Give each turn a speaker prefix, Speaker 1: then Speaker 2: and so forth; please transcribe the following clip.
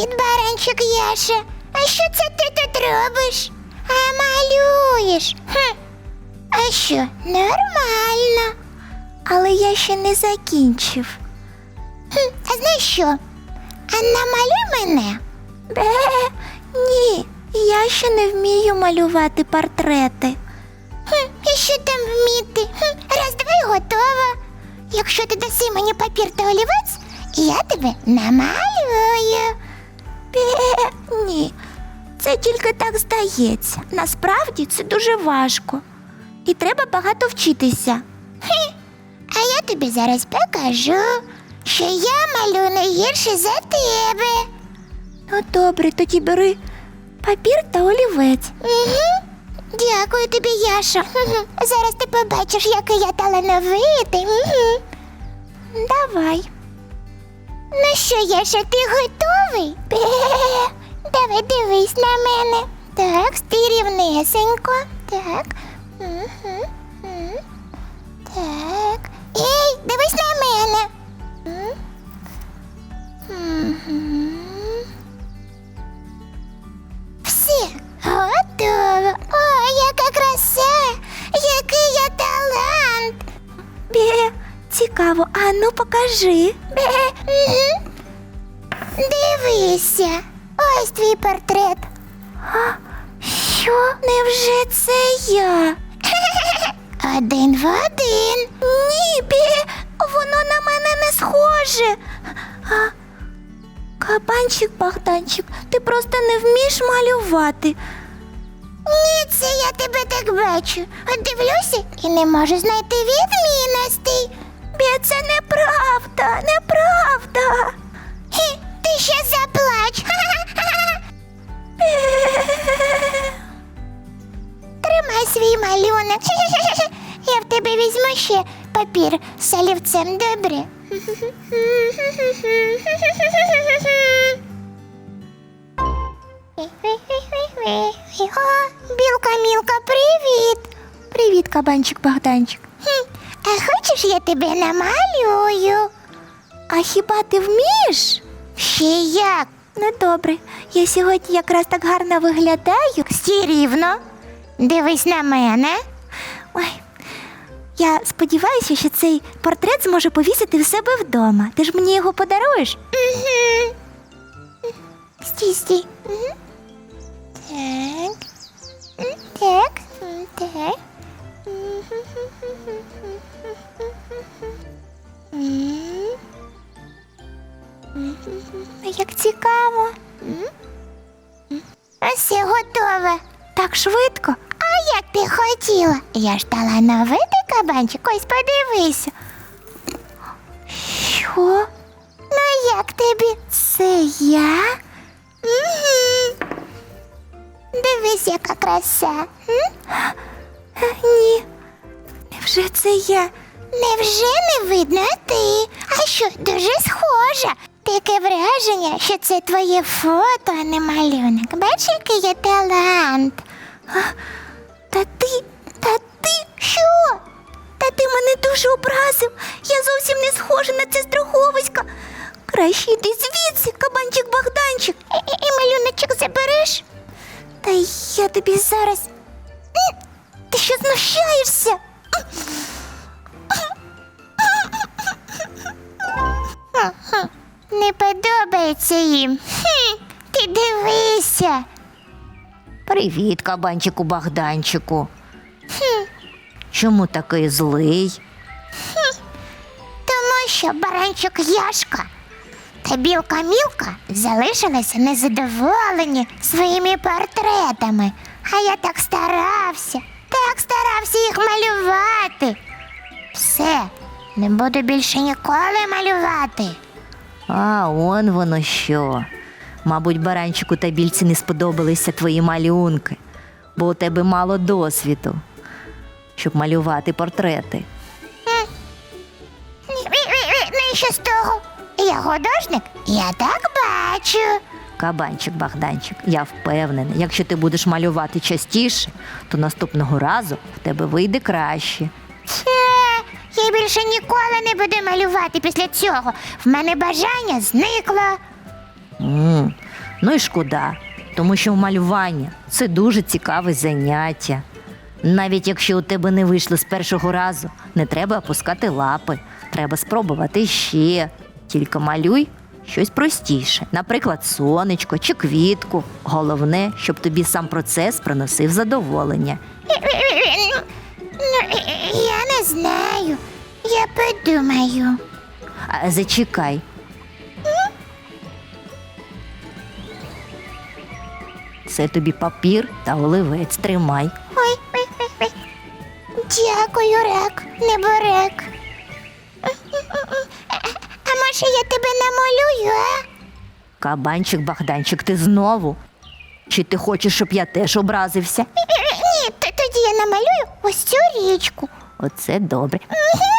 Speaker 1: Привіт, баранчик Яша. А що це ти тут робиш? А малюєш? А що, нормально.
Speaker 2: Але я ще не закінчив.
Speaker 1: А знаєш що? А намалюй мене.
Speaker 2: Ні, я ще не вмію малювати портрети.
Speaker 1: І що там вміти? Раз, два і готово. Якщо ти даси мені папір та олівець, я тебе намалюю.
Speaker 2: Ні, це тільки так здається. Насправді це дуже важко. І треба багато вчитися.
Speaker 1: А я тобі зараз покажу, що я малюю не гірше за тебе.
Speaker 2: Ну добре, тоді бери папір та олівець.
Speaker 1: Угу. Дякую тобі, Яша. Зараз ти побачиш, який я талановитий. Угу.
Speaker 2: Давай.
Speaker 1: Ну що, Яша, ти готовий? Давай дивись на мене. Так, стій рівнесенько. Так. Угу. Так. Ей, дивись на мене. Все, готово. О, яка краса! Який я талант!
Speaker 2: Цікаво, а ну покажи.
Speaker 1: Дивися, ось твій портрет.
Speaker 2: Що? Невже це я?
Speaker 1: Один в один.
Speaker 2: Ні, воно на мене не схоже. Кабанчик Богданчик, ти просто не вмієш малювати.
Speaker 1: Ні, це я тебе так бачу. От дивлюся і не можу знайти відмінностей.
Speaker 2: Це неправда, неправда.
Speaker 1: Ти ще заплач. Тримай свій малюнок. Я в тебе візьму ще папір з олівцем, добре? О, Білка-мілка, привіт!
Speaker 2: Привіт, кабанчик Богданчик.
Speaker 1: А хочеш, я тебе намалюю?
Speaker 2: А хіба ти вмієш?
Speaker 1: Ще як?
Speaker 2: Ну добре, я сьогодні якраз так гарно виглядаю.
Speaker 1: Стій рівно. Дивись на мене.
Speaker 2: Ой, я сподіваюся, що цей портрет зможе повісити в себе вдома. Ти ж мені його подаруєш?
Speaker 1: Угу. Стій. Угу. Так. Так.
Speaker 2: Як цікаво.
Speaker 1: Ось все готове.
Speaker 2: Так швидко.
Speaker 1: А як ти хотіла? Я ж талановитий кабанчик, ось подивися.
Speaker 2: Що?
Speaker 1: Ну як тобі?
Speaker 2: Це я?
Speaker 1: Угу. Дивись, яка краса.
Speaker 2: Ні. Невже це я?
Speaker 1: Невже не видно ти? А що, дуже схожа. Таке враження, що це твоє фото, а не малюнок. Бачиш, який є талант?
Speaker 2: Та ти,
Speaker 1: Що?
Speaker 2: та ти мене дуже образив. Я зовсім не схожа на це страховисько. Краще йди звідси, кабанчик Богданчик.
Speaker 1: І малюночок забереш?
Speaker 2: Та я тобі зараз...
Speaker 1: Ти що, знущаєшся? Не подобається їм. Ти дивися.
Speaker 3: Привіт, кабанчику Богданчику. Чому такий злий?
Speaker 1: Тому що баранчик Яшка та білка-мілка залишилися незадоволені своїми портретами. А я так старався їх малювати. Все, не буду більше ніколи малювати.
Speaker 3: А он воно що. Мабуть, баранчику та більці не сподобалися твої малюнки, бо у тебе мало досвіду, щоб малювати портрети.
Speaker 1: Ну і що з того? Я художник, я так бачу.
Speaker 3: Кабанчик Богданчик, я впевнена, якщо ти будеш малювати частіше, то наступного разу в тебе вийде краще.
Speaker 1: Я більше ніколи не буду малювати після цього. В мене бажання зникло.
Speaker 3: Ну і шкода, тому що малювання – це дуже цікаве заняття. Навіть якщо у тебе не вийшло з першого разу, не треба опускати лапи, треба спробувати ще. Тільки малюй щось простіше, наприклад, сонечко чи квітку. Головне, щоб тобі сам процес приносив задоволення.
Speaker 1: Ну, я не знаю. Я подумаю.
Speaker 3: А зачекай. Це тобі папір та олівець, тримай.
Speaker 1: Ой, ой, ой, ой. Дякую, рак, неборак. А може я тебе намалюю, а?
Speaker 3: Кабанчик, Богданчик, ти знову? Чи ти хочеш, щоб я теж образився?
Speaker 1: Ні, тоді я намалюю ось цю річку.
Speaker 3: Оце добре.
Speaker 1: Мгм.